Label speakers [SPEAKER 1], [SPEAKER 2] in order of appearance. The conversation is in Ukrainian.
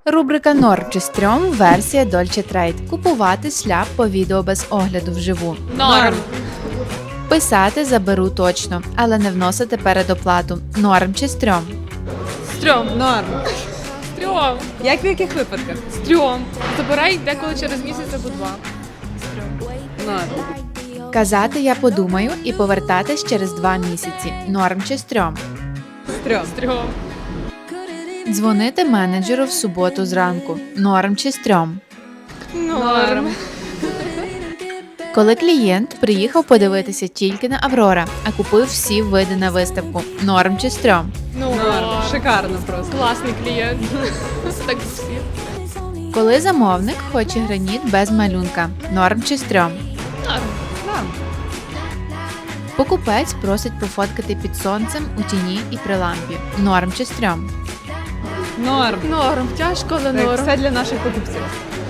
[SPEAKER 1] Рубрика «Норм чи стрьом» версія Dolce Trade. Купувати шляп по відео без огляду вживу.
[SPEAKER 2] Норм.
[SPEAKER 1] Писати заберу точно, але не вносити передоплату. Норм чи стрьом?
[SPEAKER 2] Стрьом.
[SPEAKER 3] Норм.
[SPEAKER 2] Стрьом.
[SPEAKER 3] Як в яких випадках?
[SPEAKER 2] Стрьом. Забирай деколи через місяць або два.
[SPEAKER 3] Норм.
[SPEAKER 1] Казати «я подумаю» і повертатись через 2 місяці. Норм чи стрьом?
[SPEAKER 3] Стрьом.
[SPEAKER 2] Стрьом.
[SPEAKER 1] Дзвонити менеджеру в суботу зранку. Норм чи стрьом?
[SPEAKER 2] Норм.
[SPEAKER 1] Коли клієнт приїхав подивитися тільки на Аврора, а купив всі види на виставку. Норм чи стрьом?
[SPEAKER 2] Норм.
[SPEAKER 3] Шикарно просто.
[SPEAKER 2] Класний клієнт. Так всі.
[SPEAKER 1] Коли замовник хоче граніт без малюнка. Норм чи стрьом?
[SPEAKER 2] Норм.
[SPEAKER 3] Норм.
[SPEAKER 1] Покупець просить пофоткати під сонцем, у тіні і при лампі. Норм чи стрьом?
[SPEAKER 3] Норм.
[SPEAKER 2] Норм. Тяжко, але
[SPEAKER 3] Так,
[SPEAKER 2] норм.
[SPEAKER 3] все для наших покупців.